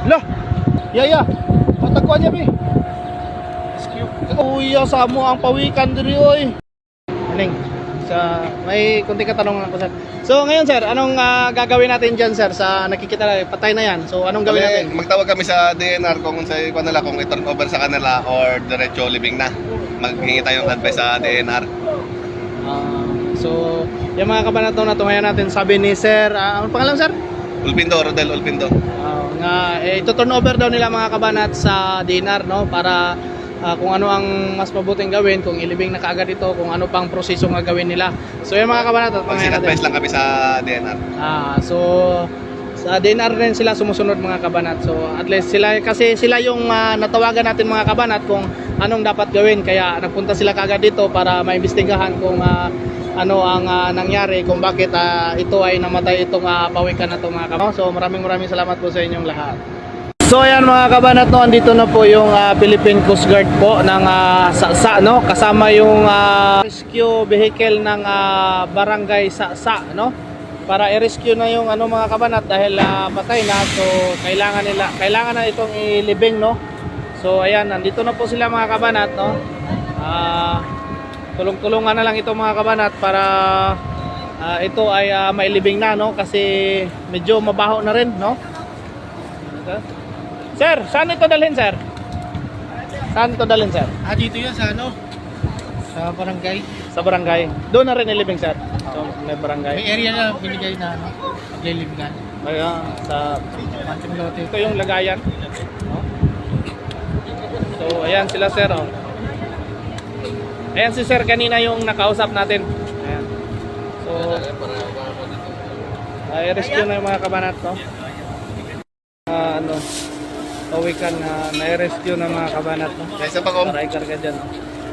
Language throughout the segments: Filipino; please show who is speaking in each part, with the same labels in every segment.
Speaker 1: Lah, yaya. Matagkuan niya, bi. Uya sa mo ang pawikan diri oy. Aning sa may konti katanungan ako sir. So ngayon sir, anong gagawin natin diyan sir sa nakikita natin patay na yan. So anong gawin natin?
Speaker 2: Magtawag kami sa DNR kung unsay kuan nila, kung i-turn over sa kanila or diretso libing na. Maghingi tayo ng advice sa DNR.
Speaker 1: So yung mga kabanato na tumayan natin, sabi ni sir, anong pangalan sir?
Speaker 2: Ulpindo, Rodel Ulpindo.
Speaker 1: Nga ito-turn over daw nila mga kabanat sa DNR, no, para kung ano ang mas mabuting gawin, kung ilibing na kaagad ito, kung ano pang proseso nga gawin nila. So yung mga kabanat,
Speaker 2: Mag-advise lang kami sa DNR.
Speaker 1: So sa DNR rin sila sumusunod mga kabanat. So at least sila, kasi sila yung natawagan natin mga kabanat kung anong dapat gawin. Kaya nagpunta sila kaagad dito para maimbestigahan kung ano ang nangyari, kung bakit ito ay namatay itong pawikan na ito mga kabanat. So maraming salamat po sa inyong lahat. So ayan mga kabanat, no, andito na po yung Philippine Coast Guard po ng Saksa, no, kasama yung rescue vehicle ng barangay Saksa, no, para i-rescue na yung mga kabanat dahil patay na. So kailangan na itong ilibing, no. So ayan, nandito na po sila mga kabanat, no. Tulong-tulungan na lang ito mga kabanat para ito ay mailibing na, no, kasi medyo mabaho na rin, no. Sir, saan ito dalhin, sir? Saan ito dalhin, sir?
Speaker 3: Dito yan sa ano? Sa barangay.
Speaker 1: Sa barangay. Doon na rin ilibing, sir. So, may barangay.
Speaker 3: May area na binigay na maglilibingan.
Speaker 1: Kaya sa ito yung lagayan. No? So, ayan sila, sir. Oh. Ayan si sir kanina yung nakausap natin. Ayan. So, i-rescue na yung mga kabanat, no? Pawikan na na-rescue na mga kabanat, no?
Speaker 2: Isa pa kom.
Speaker 1: Para ikarga dyan, no?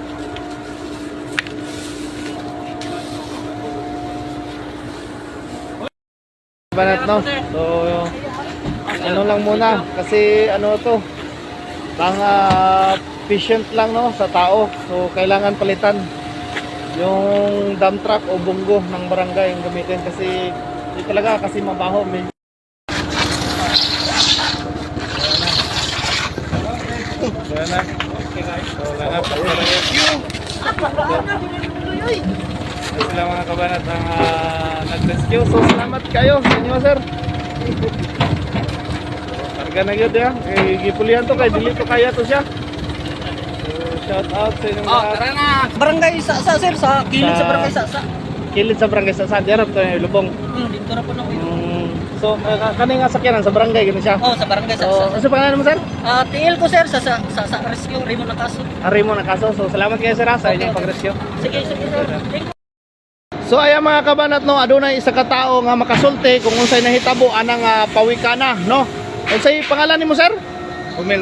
Speaker 1: Kabanat, no? So, ano lang muna, kasi ano to, mga patient lang, no, sa tao. So, kailangan palitan yung dump truck o bunggo ng barangay yung gamitin kasi hindi talaga, kasi mabaho. Ayan na. So, lahat ng rescue. Sila mga kabanat ang nag-rescue. So, salamat kayo sa inyo, sir. Karga na yun, ya. Gipulihan to, kay dili to kaya to siya. So, shout out sa inyong lahat.
Speaker 3: Tara na! Barangay Saksa, sir. Sa kilid sa barangay Saksa.
Speaker 1: Kilid sa barangay Saksa. Diyan to yung lubong.
Speaker 3: Dito na po na.
Speaker 1: So, kanina nga sakyanan sa barangay, gano'n siya.
Speaker 3: Sa barangay
Speaker 1: So,
Speaker 3: Saksa.
Speaker 1: ano pangalan mo, sir?
Speaker 3: TL ko, sir, sa rescue, Raymond Nakaso.
Speaker 1: Raymond Nakaso. So, salamat kayo, sir, sa inyong pag-rescue.
Speaker 3: Sige, sir. Thank you.
Speaker 1: So ayan mga kabanat, no, adunay isa ka tawo nga makasulti kung unsay nahitabo anang pawikana, no. Unsay pangalan nimo, sir?
Speaker 2: Romel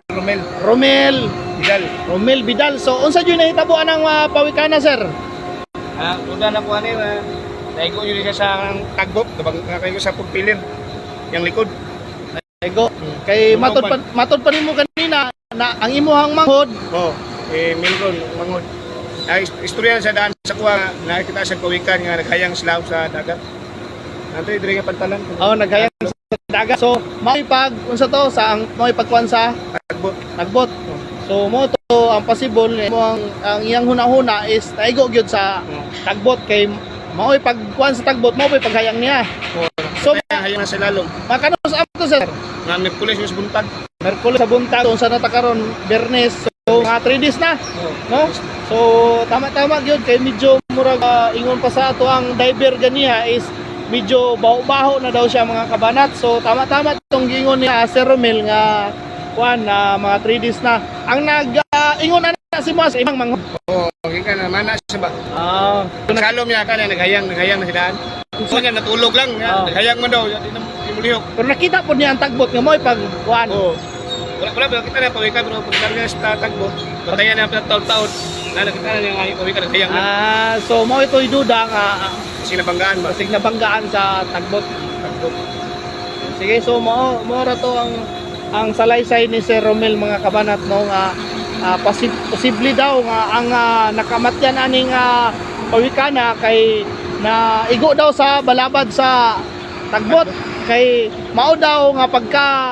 Speaker 1: Romel Bidal. So unsa jud nahitabo anang pawikana, sir?
Speaker 2: Una na ko ani, naigo yun siya sa tagbok, kabang kayo sa pagpilin, yung likod.
Speaker 1: Ego. Kay matod pa nimo kanina na ang imuhang manghod.
Speaker 2: Milron, mangod. Istorya sa daan sa kuha, nakikita sa pawikan nga naghayang sila sa dagat. Nantoy dire nga pantalan.
Speaker 1: Naghayang sa dagat. So mao unsa to sa ang mao ipagkuan sa tagbot. So mo to ang possible mo ang iyang hunahuna is naigo gyud sa tagbot, kay mao ipagkuan sa tagbot, mao paghayang niya. So
Speaker 2: hayang na sa lalong.
Speaker 1: makano sa to, sir?
Speaker 2: Nga Merkulis sa buntag.
Speaker 1: Merkulis sa buntag, unsa na ta karon? Biyernes. So mga 3 days na, no? So tama gyud, kay medyo murag ingon pa sa ato ang diver ganiha is medyo baho na daw siya mga kabanat. So tama itong giingon ni Sir Romel nga kuan na mga 3 days na. Ang nag-ingon na si Mas imang mga
Speaker 2: Okay ka na, mana siya ba? Nagsalom niya ka na, naghayang na silaan. So niya, natulog lang, naghayang mo daw, hindi na mulihok.
Speaker 1: pero nakita po niya ang tagbot nga mo ipag kuan.
Speaker 2: Wala kita na pawikan, pero pagkarga sa tagbot, batayan na taon-taon, nakita na niya pawikan, naghayang na.
Speaker 1: So mo ito'y duda nga
Speaker 2: Kasi nabanggaan ba?
Speaker 1: basig nabanggaan sa tagbot. Sige, so mo ra to ang salaysay ni Sir Romel mga kabanat, no, nga posible daw nga ang nakamatyan aning pawikana kay na igo daw sa balabad sa tagbot, kay mao daw nga pagka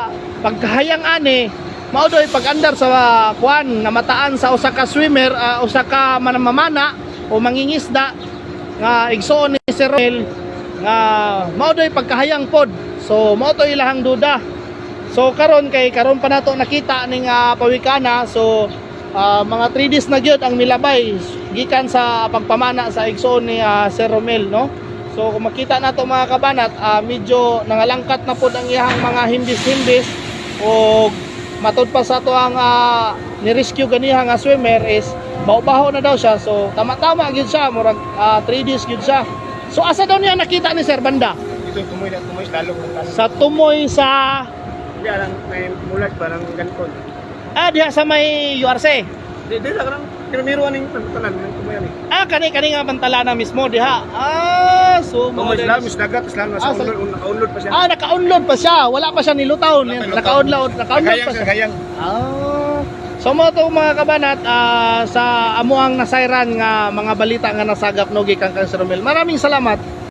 Speaker 1: pagkahayang ani mao doy pag-andar sa kuan nga mataan sa usa ka swimmer, usa ka manamamana o mangingisda nga igsoon ni Sir Romel nga mao doy pagkahayang pod. So mao to ilahang duda. So karon pa nato nakita ning pawikana. So mga 3 days na gyud ang milabay gikan sa pagpamana sa igsoon ni Sir Romel, no? So kung makita nato mga kabanat, medyo nangalangkat na pod ang iyang mga himbis-himbis o matud pa sa to ang ni-rescue ganiha nga swimmer is baho-baho na daw siya. So tama-tama gyud siya, murag 3 days gyud siya. So asa daw niya nakita ni Sir banda?
Speaker 2: Ito tumoy lalo ng tanan.
Speaker 1: Sa tumoy sa
Speaker 2: Hindi alang may mulag parang ganton.
Speaker 1: diha sa may URC.
Speaker 2: Di lang karang kinamiruan ning tanan ng tumoy ani.
Speaker 1: Kani nga bantala na mismo diha. So
Speaker 2: Tumoy mis dagat islam sa
Speaker 1: sa-
Speaker 2: unlod nakaunlod pa siya.
Speaker 1: naka-unload pa siya. Wala pa siya nilutaw. Naka-unload pa siya.
Speaker 2: Kayang.
Speaker 1: So mo to mga kabanat, sa amuang nasayran nga mga balita nga nasagap no gikan kang Sir Romel. Maraming salamat.